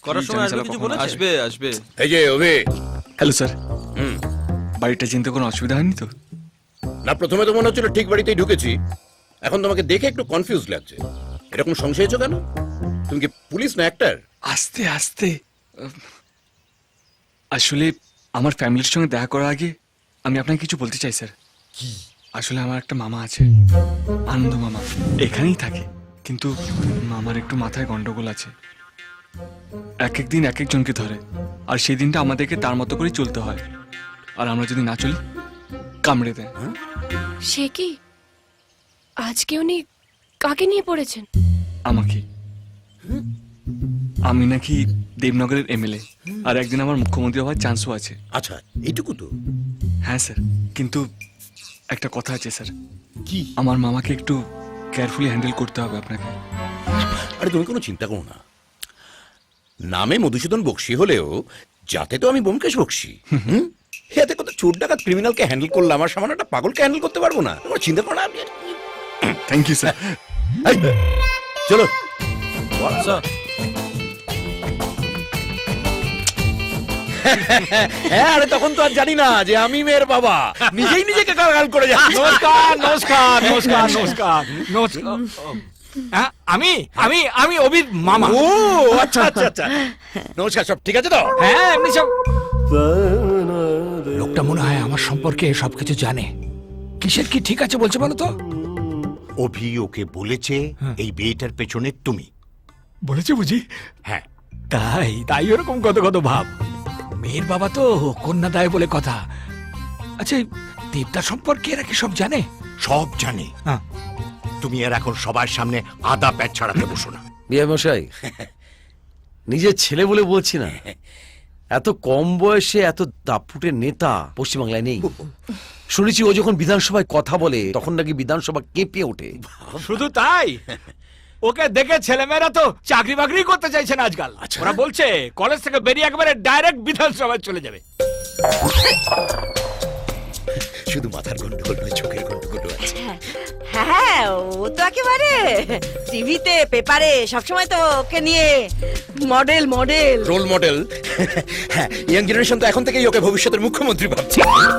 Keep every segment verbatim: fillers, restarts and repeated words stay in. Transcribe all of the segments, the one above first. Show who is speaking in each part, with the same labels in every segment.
Speaker 1: করার সময় আসবে কিছু বলেছে? আসবে আসবে।
Speaker 2: এই যে অভি।
Speaker 3: হ্যালো স্যার,
Speaker 2: হুম।
Speaker 3: বাড়িটা চিনতে কোনো অসুবিধা হয়নি তো?
Speaker 2: না, প্রথমে তো মনে হচ্ছিল ঠিক বাড়িতেই ঢুকেছি, এখন তোমাকে দেখে একটু কনফিউজ লাগছে। এরকম সংশয় হয়েছো কেন? তুমি কি পুলিশ না অ্যাক্টর?
Speaker 3: আস্তে আস্তে, আসলে আমার ফ্যামিলির সঙ্গে দেখা করার আগে আমি আপনাকে কিছু বলতে চাই স্যার।
Speaker 2: কি?
Speaker 3: আসলে আমার একটা মামা আছে, আনন্দ মামা, এখানেই থাকে। কিন্তু মামার একটু মাথায় গন্ডগোল আছে, এক এক দিন এক একজনকে ধরে, আর সেই দিনটা আমাদেরকে তার মতো করেই চলতে হয়। আর আমরা যদি না চলি কামড়ে দেয়।
Speaker 4: সে কি? আজকে উনি কাকে নিয়ে পড়েছেন?
Speaker 3: আমাকে। আমি নাকি দেবনগরের এমএলএ, আর একদিন আমার মুখ্যমন্ত্রী হওয়ার চান্সও আছে।
Speaker 2: আচ্ছা, এইটুকু তো?
Speaker 3: হ্যাঁ স্যার, কিন্তু একটা কথা আছে স্যার।
Speaker 2: কি?
Speaker 3: আমার মামাকে একটু কেয়ারফুলি হ্যান্ডেল করতে হবে আপনাকে।
Speaker 2: আরে তুমি কোনো চিন্তা করো না, নামে মধুসূদন বক্সি হলেও যাতে তো আমি ব্যোমকেশ বক্সি। হুম, এতে কত চোর ডাকাত ক্রিমিনালকে হ্যান্ডেল করলাম, আর সামান্য একটা পাগলকে হ্যান্ডেল করতে পারবো না? তোমার চিন্তা করো না। আমি
Speaker 3: থ্যাংক ইউ স্যার।
Speaker 2: এই, চলো। হ্যাঁ, আরে তখন তো আর জানি না যে আমি মেয়ের বাবা, নিজেই নিজেকে গাল করে যাচ্ছি।
Speaker 5: নমস্কার নমস্কার নমস্কার নমস্কার নমস্কার। হ্যাঁ, আমি আমি আমি অভির মামা।
Speaker 2: ও আচ্ছা আচ্ছা আচ্ছা, নমস্কার। সব ঠিক আছে তো?
Speaker 5: হ্যাঁ, এমনি সব। লোকটা মনে হয় আমার সম্পর্কে সবকিছু জানে। কিসের কি ঠিক আছে বলছে বলো তো?
Speaker 6: অভি ওকে বলেছে এই বিয়েটার পেছনে তুমি।
Speaker 5: বলেছে বুঝি?
Speaker 6: হ্যাঁ।
Speaker 5: তাই তাই ওরকম কত কত ভাব। মেয়ের বাবা তো কন্যা দায় বলে কথা। আচ্ছা, এই দেবদা সম্পর্কে এরা কি সব জানে?
Speaker 6: সব জানে।
Speaker 5: হ্যাঁ।
Speaker 6: তুমি আর এখন সবার সামনে আদা প্যাচ ছাড়াতে বসো না।
Speaker 1: বিয়ে মশাই, নিজের ছেলে বলে বলছি না, এত কম বয়সে এত দাপুটের নেতা পশ্চিমবাংলায় নেই। শুনেছি ও যখন বিধানসভায় কথা বলে তখন নাকি বিধানসভা কেঁপে ওঠে।
Speaker 5: শুধু তাই, ওকে দেখে ছেলেমেয়েরা তো চাকরি বাকরি করতে চাইছে না আজকাল। ওরা বলছে কলেজ থেকে বেরিয়ে একেবারে ডাইরেক্ট বিধানসভায় চলে যাবে।
Speaker 2: শুধু মাথার গন্ডগোল নয়, চোখের গন্ডগোল আছে।
Speaker 7: হ্যাঁ, ও তো একেবারে টিভিতে পেপারে সবসময় তো ওকে নিয়ে মডেল মডেল
Speaker 2: রোল মডেল। হ্যাঁ, ইয়াং জেনারেশন তো এখন থেকেই ওকে ভবিষ্যতের মুখ্যমন্ত্রী ভাবছে।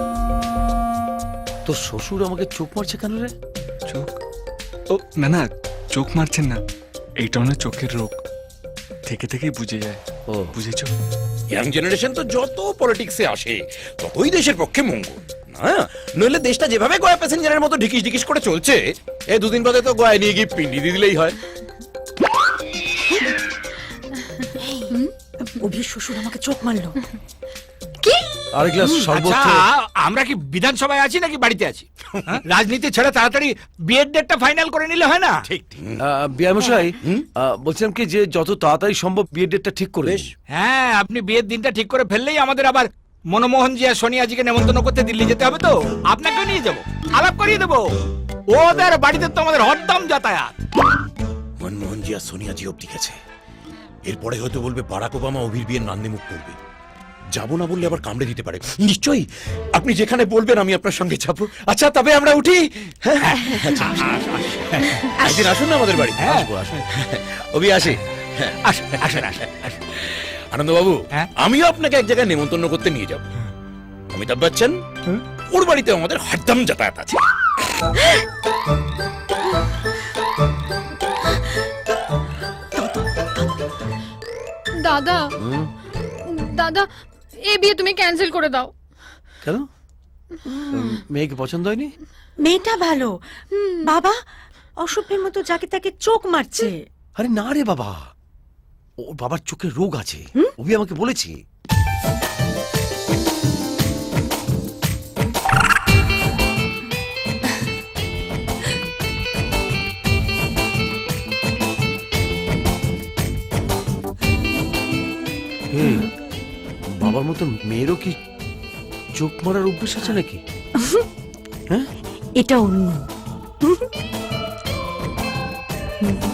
Speaker 1: তোর শ্বশুর আমাকে চোখ মারছে কেন রে?
Speaker 3: চোখ? ও না না, চোখ মারছেন না, এইটা না চোখের রোগ, থেকে থেকেই বুঝে যায়। ও বুঝেছো?
Speaker 2: ইয়াং জেনারেশন তো যত পলিটিক্সে আসে ততই দেশের পক্ষে মঙ্গল না, নইলে দেশটা যেভাবে গয়া প্যাসেঞ্জারের মতো ঢিকিস ঢিকিস করে চলছে, এই দুদিন বাদে তো গয়া নিয়ে গিয়ে পিন্ডি দিয়ে দিলেই হয়।
Speaker 7: অভির শ্বশুর আমাকে চোখ মারলো।
Speaker 1: আর গ্লাস শরবত।
Speaker 5: আচ্ছা, আমরা কি বিধানসভায় আছি নাকি বাড়িতে আছি? হ্যাঁ? রাজনীতি ছেড়ে তাড়াতাড়ি বিয়ের ডেটটা ফাইনাল করে নিলে হয় না?
Speaker 6: ঠিক ঠিক।
Speaker 3: বিয়ে মশাই, বলছিলাম কি যে যত তাড়াতাড়ি সম্ভব বিয়ের ডেটটা ঠিক করে।
Speaker 5: হ্যাঁ, আপনি বিয়ের দিনটা ঠিক করে ফেললেই আমাদের আবার মনমোহন জি আর সোনিয়াজিকে নেমন্তন্ন করতে দিল্লি যেতে হবে, তো আপনাকেও নিয়ে যাবো, আলাপ করিয়ে দেবো। ওদের বাড়িতে তো আমাদের হরদম যাতায়াত।
Speaker 2: মনমোহন জি আর সোনিয়া জি অব্দি গেছে, এরপরে হয়তো বলবে বারাক ওবামা অভির বিয়ের নান্দে মুখ করবে। যাবো না বললে আবার কামড়ে দিতে পারে। নিশ্চয়ই আপনি যেখানে বলবেন আমি আপনার সঙ্গে যাবো। আচ্ছা, তবে আমরা উঠি। হ্যাঁ, একদিন আসুন না আমাদের বাড়ি। আসবো আসবো। অভি আসি।
Speaker 5: আসেন আসেন আসেন।
Speaker 2: আনন্দবাবু,
Speaker 5: হ্যাঁ?
Speaker 2: আমিও আপনাকে এক জায়গায় নেমন্তন্ন করতে নিয়ে যাব। অমিতাভ বচ্চন, ওর বাড়িতে আমাদের হরদম যাতায়াত আছে।
Speaker 4: দাদা দাদা, এই বিয়ে তুমি ক্যান্সেল করে দাও।
Speaker 1: কেন? মেয়েকে পছন্দ হয়নি?
Speaker 7: মেয়েটা ভালো, বাবা অসভ্যের মতো যাকে তাকে চোখ মারছে।
Speaker 1: আরে না রে বাবা, ওর বাবার চোখের রোগ আছে, অভি আমাকে বলেছে। বাবার মতো মেয়েরও কি চোখ মারার অভ্যেস আছে নাকি?
Speaker 7: এটা অন্য।